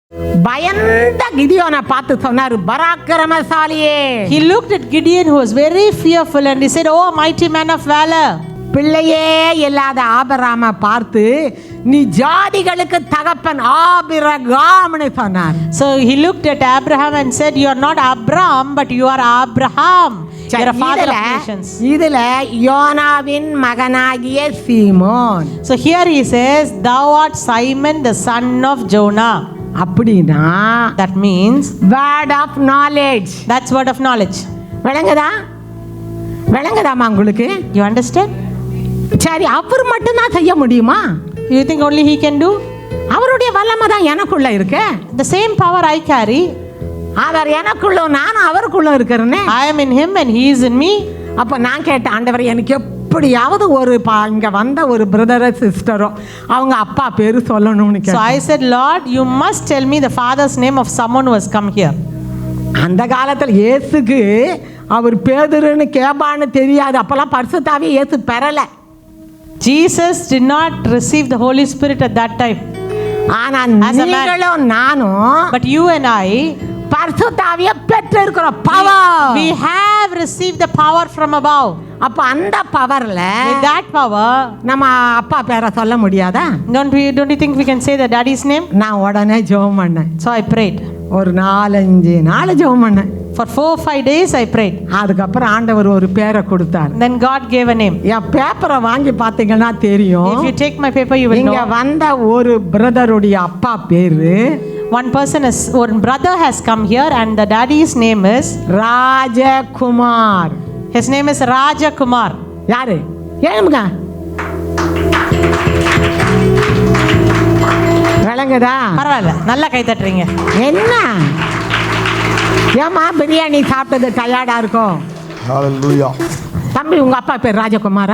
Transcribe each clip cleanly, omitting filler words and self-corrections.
பயந்த கிதியோனை பார்த்து சொன்னாரு, பராக்கிரமசாலியே. He looked at Gideon, who was very fearful, and he said, "Oh, mighty man of valor." பிள்ளையே இல்லாத ஆபிரகாமை பார்த்து, நீ ஜாதிகளுக்கு தகப்பன் ஆபிரகாம்னு சொன்னார். So he looked at Abraham and said, "You are not Abram, but you are Abraham. You are a father of nations." இதுல யோனாவின் மகனாகிய சீமோன். So here he says, "Thou art Simon, the son of Jonah." அப்படினா that means word of knowledge. That's word of knowledge. விளங்குதாமா உங்களுக்கு? You understand? சரி, அவர் மட்டும் தான் செய்ய முடியுமா? You think only he can do? அவருடைய வல்லமை தான் எனக்குள்ள இருக்கு. The same power I carry. அவர் எனக்குள்ள, நான் அவருக்குள்ள இருக்கிறேனே. I am in him and he is in me. அப்ப நான் கேட்டேன், ஆண்டவரே, எனக்கு எப்படியாவது ஒரு இங்க வந்த ஒரு பிரதரோ சிஸ்டரோ அவங்க அப்பா பேரு சொல்லணும்னு கேட்டேன். So I said, Lord, you must tell me the father's name of someone who has come here. அந்த காலத்துல இயேசுக்கு அவர் பேதுருன்னு கேபான்னு தெரியாது. அப்பெல்லாம் பரிசுத்தாவே இயேசு பெறல. Jesus did not receive the Holy Spirit at that time. ஆனா நீங்களும் நானும், but you and I, பரிசுத்தாவியை பெற்றிருக்கிறோம். Power. We have received the power from above. அப்ப அந்த பவர்ல, with that power, நம்ம அப்பா பேரை சொல்ல முடியாதா? Don't you think we can say the daddy's name? நான் உடனே ஜெபம் பண்ணேன். So I prayed. ஒரு 4-5 நாள் ஜெபம் பண்ணேன். For 4-5 days I prayed. அதுக்கப்புறம் ஆண்டவர் ஒரு பேரை கொடுத்தார். Then God gave a name. என் பேப்பரை வாங்கி பார்த்தீங்கன்னா தெரியும். If you take my paper, you will know. இங்க வந்த ஒரு பிரதருடைய அப்பா பேரு, one brother has come here and the daddy's name is Rajakumar. His name is Rajakumar. யாரு? ஏழுமுங்க விளங்குதா? பரவாயில்ல, நல்லா கை தட்டுறீங்க. என்ன ஏமா பிரியாணி சாப்பிட்டது டயர்டா இருக்கும்? ஹalleluya. தம்பி, உங்க அப்பா பேர் ராஜகுமாரா?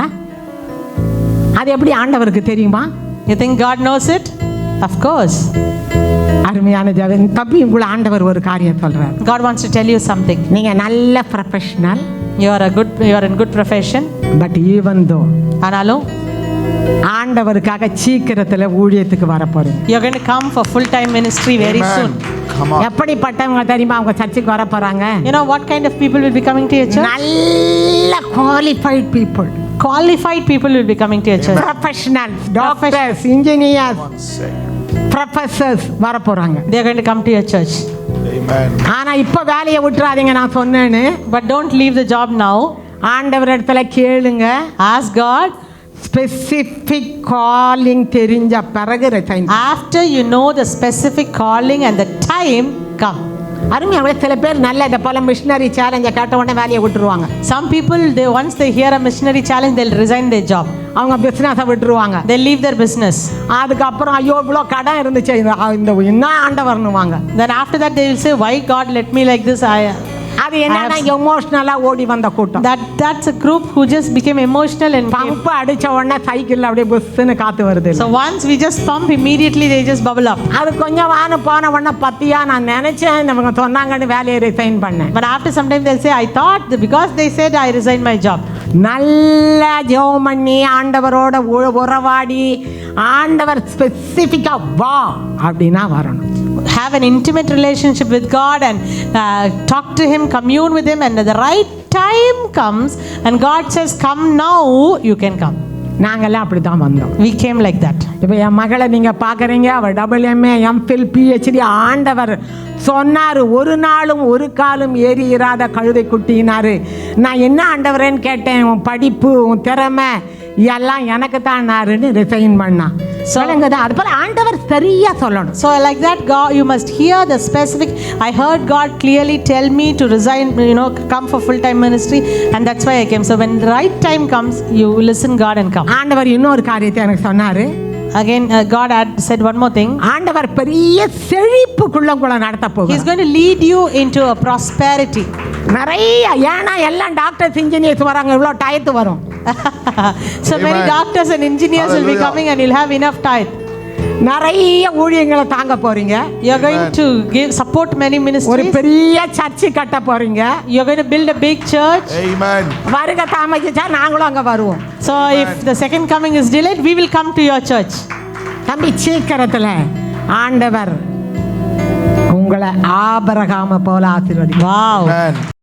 அது எப்படி ஆண்டவருக்கு தெரியுமா? You think God knows it? Of course. அருமையான ஜெபம். தம்பி, உங்களை ஆண்டவர் ஒரு காரியம் சொல்றார். God wants to tell you something. நீங்க நல்ல professional. You are in good profession. But even though, ஆனாலும் ஆண்டவருக்காக சீக்கிரத்துல ஊழியத்துக்கு வர போறீங்க. You are going to come for full time ministry very soon. எப்படிப்பட்டவங்க தெரியுமா அவங்க சர்ச்சுக்கு வர போறாங்க? You know what kind of people will be coming to your church? நல்ல qualified people. Qualified people will be coming to your church. Professionals, doctors, engineers, professors வர போறாங்க. They are going to come to your church. Amen. ஆனா இப்ப வேலையை விட்டுறாதீங்க, நான் சொன்னேன்னு. But don't leave the job now. ஆண்டவர் இடத்துல கேளுங்க. Ask God. Specific calling தெரிஞ்ச பிறகு resign. After you know the specific calling and the time, come. அருமையாக சில பேர் நல்ல இதை போல மிஷனரி சேலஞ்சை கேட்ட உடனே வேலையை விட்டுருவாங்க. Some people, once they hear a missionary challenge, they'll resign their job. அவங்க பிசினஸை விட்டுருவாங்க. They leave their business. அதுக்கப்புறம் ஐயோ இவ்வளோ கடன் இருந்துச்சு, இந்த என்ன ஆண்டவர்னுவாங்க. Then after that they will say, why God let me like this? அது என்னன்னா எமோஷனலா ஓடி வந்த கூட்டம். That's a group who just became emotional and pump அடிச்ச உடனே சைக்கிள்ல அப்படியே புஸ்ன்னு காத்து வருது. So once we just pump, immediately they just bubble up. அது கொஞ்சம் வான போன உடனே பத்தியா நான் நினைச்சேன் அவங்க சொன்னாங்கன்னு வேலையை ரிசைன் பண்ணேன். But after some time they'll say, I thought because they said I resigned my job. நல்ல ஜெபம் பண்ணி ஆண்டவரோட உறவாடி ஆண்டவர் ஸ்பெசிஃபிக்கா வா அப்படினா வரணும். Have an intimate relationship with God and talk to him, commune with him, and the right time comes and God says come now, you can come. நாங்கெல்லாம் அப்படி தான் வந்தோம். We came like that. இப்போ என் மகளை நீங்க பார்க்குறீங்க, அவள் MA MPhil PhD. ஆண்டவர் சொன்னார், ஒரு நாளும் ஒரு காலும் ஏறி இராத கழுதை குட்டினாரு. நான் என்ன ஆண்டவரேன்னு கேட்டேன், உன் படிப்பு உன் திறமை எல்லாம் எனக்கு தான் ரிசைன் பண்ணா. சொல்லுங்கதான் அது போல ஆண்டவர் சரியா சொல்லணும். So like that, God, you must hear the specific. I heard God clearly tell me to resign, come for full time ministry, and that's why I came. So when the right time comes, you listen God and come. ஆண்டவர் இன்னொரு காரியத்தை எனக்கு சொன்னாரு. Again, God had said one more thing. ஆண்டவர் பெரிய செழிப்புக்குள்ள உங்களை நடத்த போகிறார். He's going to lead you into a prosperity. நிறைய ஏன்னா எல்லாம் டாக்டர்ஸ் இன்ஜினியர்ஸ் வராங்க, இவ்வளோ டயத்து வரும். So many doctors and engineers will be coming and you'll have enough tithe. நிறைய ஊழியங்களை தாங்க போறீங்க. You're going to support many ministries. ஒரு பெரிய சர்ச் கட்ட போறீங்க. You're going to build a big church. Amen. வருக தாமதிச்சா நாங்களும் அங்க வருவோம். So if the second coming is delayed, we will come to your church. தம்பி சீக்கிரத்துல ஆண்டவர் உங்களை ஆபிரகாமை போல ஆசீர்வதிக்கிறேன். Wow. Amen.